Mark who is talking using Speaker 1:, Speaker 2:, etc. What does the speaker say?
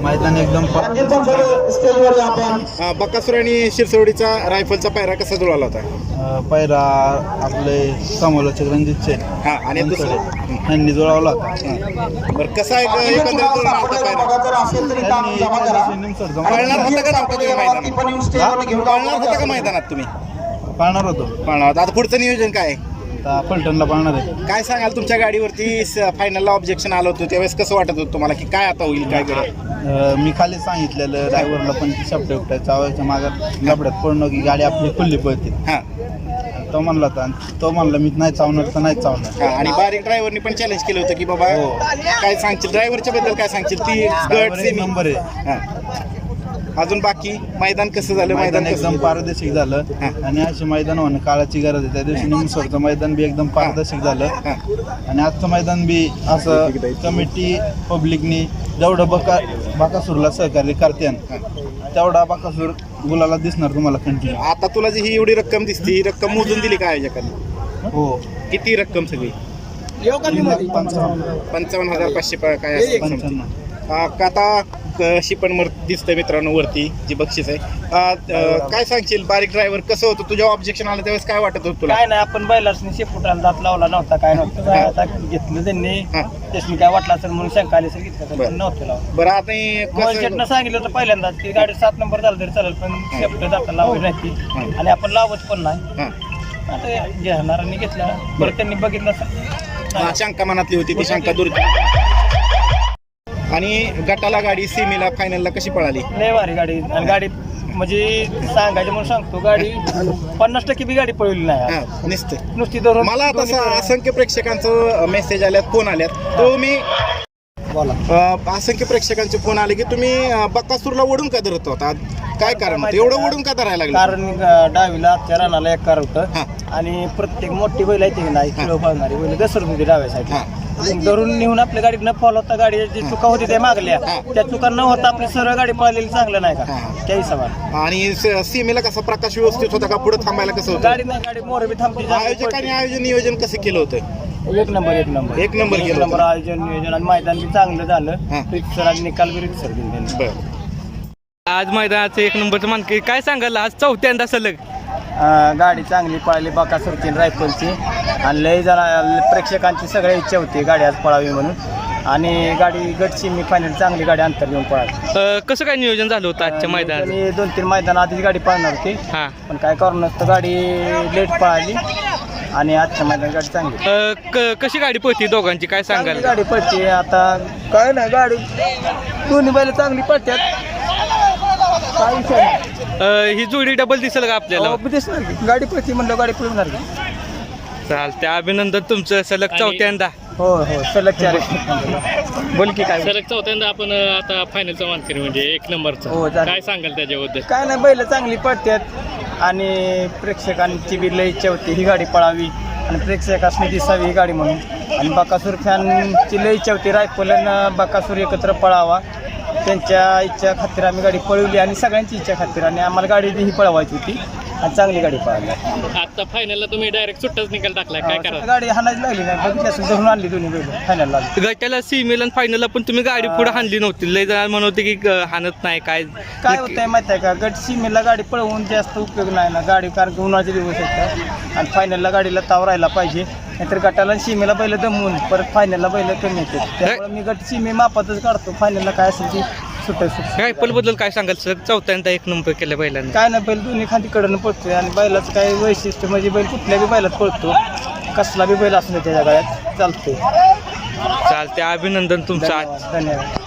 Speaker 1: मैदान एकदम
Speaker 2: बकासूर आणि शिरसवडीचा रायफलचा पायरा कसा जुळाला होता?
Speaker 1: पहिला आपले समालोचक रणजितचे
Speaker 2: आणि दुसरं
Speaker 1: यांनी जुळवला होता.
Speaker 2: बरं कसा आहे एकंदरीत जुळून आलता पायरा? पळणार होता का नव्हता तुम्ही मैदानात? पळणार होता का मैदानात तुम्ही?
Speaker 1: पाळणार होतो.
Speaker 2: पळणार होता. आता पुढचं नियोजन काय आहे?
Speaker 1: पलटणला पाळणार आहे.
Speaker 2: काय सांगाल तुमच्या गाडीवरती फायनलला ऑब्जेक्शन आलं होतं त्यावेळेस कसं वाटत होतं तुम्हाला की काय आता होईल काय करेल?
Speaker 1: मी खाली सांगितलेलं ड्रायव्हरला पण शब्द उपटायचा चावायच्या मागात लबड्यात पडणं की गाडी आपली खुल्ली पळते. तो म्हणला होता तो म्हणला मी नाही चावणार तर नाही चावणार.
Speaker 2: आणि बारीक ड्रायव्हरनी पण चॅलेंज केलं होतं की बाबा काय सांगशील ड्रायव्हरच्या बद्दल काय सांगशील? ती गट सेमी
Speaker 1: नंबर आहे.
Speaker 2: अजून बाकी मैदान कसं झालं? मैदान
Speaker 1: एकदम पारदर्शक झालं आणि अशी मैदान होणं काळाची गरज आहे. त्या दिवशी निमसोडचं मैदान बी एकदम पारदर्शक झालं आणि आजचं मैदान बी असं कमिटी पब्लिकनी जेवढं बकासूरला सहकार्य करते तेवढा बकासूर गुलाला दिसणार तुम्हाला कंटिन्यू.
Speaker 2: आता तुला जी ही एवढी रक्कम दिसते ही रक्कम मोजून दिली काय आयोजकांनी?
Speaker 1: हो.
Speaker 2: किती रक्कम सगळी? 55,500 काय असेल?
Speaker 1: 55.
Speaker 2: आता कशी पण दिसतंय मित्रांनो वरती जी बक्षीस आहे. काय सांगशील बारीक ड्रायव्हर कसं होतं? तुझ्या ऑब्जेक्शन आलं त्यावेळेस काय वाटत होतं तुला?
Speaker 3: काय नाही आपण बैलासनी शेपुटाला दात लावला नव्हता काय नव्हतं. आता घेतलं त्यांनी त्याच्यानी काय वाटलं असेल म्हणून शंका आली असेल घेतलं पण नव्हतं लावून.
Speaker 2: बरं आता
Speaker 3: शेटनं सांगितलं होतं पहिल्यांदाच की गाडी 7 नंबर झालं तरी चालेल पण शेपट दाता लावली नाही आणि आपण लावत पण नाही. आता घेणाऱ्यांनी घेतला बरं त्यांनी बघितलं
Speaker 2: शंका मनातली होती ती शंका दूर. आणि गटाला गाडी सेमीला फायनलला कशी पळाली?
Speaker 3: लय भारी गाडी आणि गाडी म्हणजे सांगायचं म्हणून सांगतो गाडी 50% बी गाडी पळवली नाही नुसती धरून.
Speaker 2: मला तसा असंख्य प्रेक्षकांचं मेसेज आल्यात फोन आल्यात तो मी असंख्य प्रेक्षकांचे फोन आले की तुम्ही बकासूरला ओढून का धरत होता? काय कारण होतं एवढं ओढून का धरायला लागलं?
Speaker 3: कारण डावीला आजच्या रानाला एक कार होतं आणि प्रत्येक मोठी बैल आहे ती नाही किलो पाळणारी बैल घसरून होती डाव्यासाठी धरून नेऊन आपल्या गाडीनं फॉलो होता. गाडी जी चुका होती त्या मागल्या त्या चुका न होता आपली सरळ गाडी पळालेली चांगलं नाही का त्या हिशोबाने.
Speaker 2: आणि सीमेला कसा प्रकाश व्यवस्थित होता का? पुढे थांबायला कसं होतं?
Speaker 3: गाडी नाही गाडी मोर बी थांबती.
Speaker 2: आयोजकांनी आयोजन नियोजन कसं केलं होतं?
Speaker 3: एक नंबर आयोजन नियोजन आणि मैदान बी चांगलं झालं. रितसर आणि निकाल बी रितसर दिले.
Speaker 4: आज मैदानाचं 1 नंबरचं मानकरी काय सांगाल? आज चौथ्यांदा सलग
Speaker 3: गाडी चांगली पळाली बकासूरची रायफलची आणि लय जण प्रेक्षकांची सगळ्या इच्छा होती गाडी आज पळावी म्हणून आणि गाडी गटची मी फायनल चांगली गाडी अंतर घेऊन पळाली.
Speaker 4: कसं काय नियोजन झालं होतं आजच्या मैदानात?
Speaker 3: 2-3 मैदान आधीच गाडी पळणार होती पण काय करू नसतं गाडी लेट पळाली आणि आजच्या मैदान गाडी चांगली.
Speaker 4: कशी गाडी पळती दोघांची काय सांगाल?
Speaker 3: गाडी पळते आता काय नाही गाडी दोन्ही बैल चांगली पळतात.
Speaker 4: ही जोडी डबल दिसेल का आपल्याला?
Speaker 3: दिसणार की गाडी पळती म्हणलं गाडी पळणार की.
Speaker 4: चालते अभिनंदन तुमचं सलग चौथ्यांदा.
Speaker 3: हो सलग 4 बोल की काय
Speaker 4: सलग चौथ्यांदा आपण आता फायनलचा मानकरी म्हणजे 1 नंबरचा.
Speaker 3: हो
Speaker 4: काय सांगाल त्याच्याबद्दल?
Speaker 3: काय नाही बैल चांगली पळतात आणि प्रेक्षकांची बी लय इच्छा होती ही गाडी पळावी आणि प्रेक्षकांनी दिसावी ही गाडी म्हणून आणि बकासूर फॅनची लय इच्छा होती रायफल आणि बकासूर एकत्र पळावा. त्यांच्या इच्छा खातीर आम्ही गाडी पळवली आणि सगळ्यांची इच्छा खातीर आणि आम्हाला गाडी ही पळवायची होती आणि चांगली गाडी पळाली.
Speaker 4: आता फायनलला तुम्ही डायरेक्ट सुट्टाच निकाल टाकलाय काय करा?
Speaker 3: गाडी हाणायची लागली नाही बघितली धरून आणली दोन्ही बैल फायनलला.
Speaker 4: गटाला सीमेला आणि फायनलला पण तुम्ही गाडी पुढे हाणली नव्हती. लय जण म्हणत होते की हाणत नाही काय
Speaker 3: होतंय माहिती आहे का? गट सीमेला गाडी पळवून जास्त उपयोग नाही ना गाडी कारण की उन्हाचे दिवस आहेत आणि फायनलला गाडीला ताव राहायला पाहिजे नाहीतर गटाला सीमेला बैल दमवून परत फायनलला बैल कमी येते त्यामुळे मी गट सीमे मापातच काढतो. फायनलला काय असेल ती
Speaker 4: रायफल बद्दल काय सांगाल सर? चौथ्यांदा 1 नंबर केलं बैलांनी.
Speaker 3: काय नाही बैल दोन्ही खांदी कडनं पळतोय आणि बैलाचं काय वैशिष्ट्य म्हणजे बैल कुठल्या बी बैलात पळतो कसला बी बैल असतो त्याच्या गळ्यात चालतोय.
Speaker 4: चालते अभिनंदन तुमचं आज.
Speaker 3: धन्यवाद.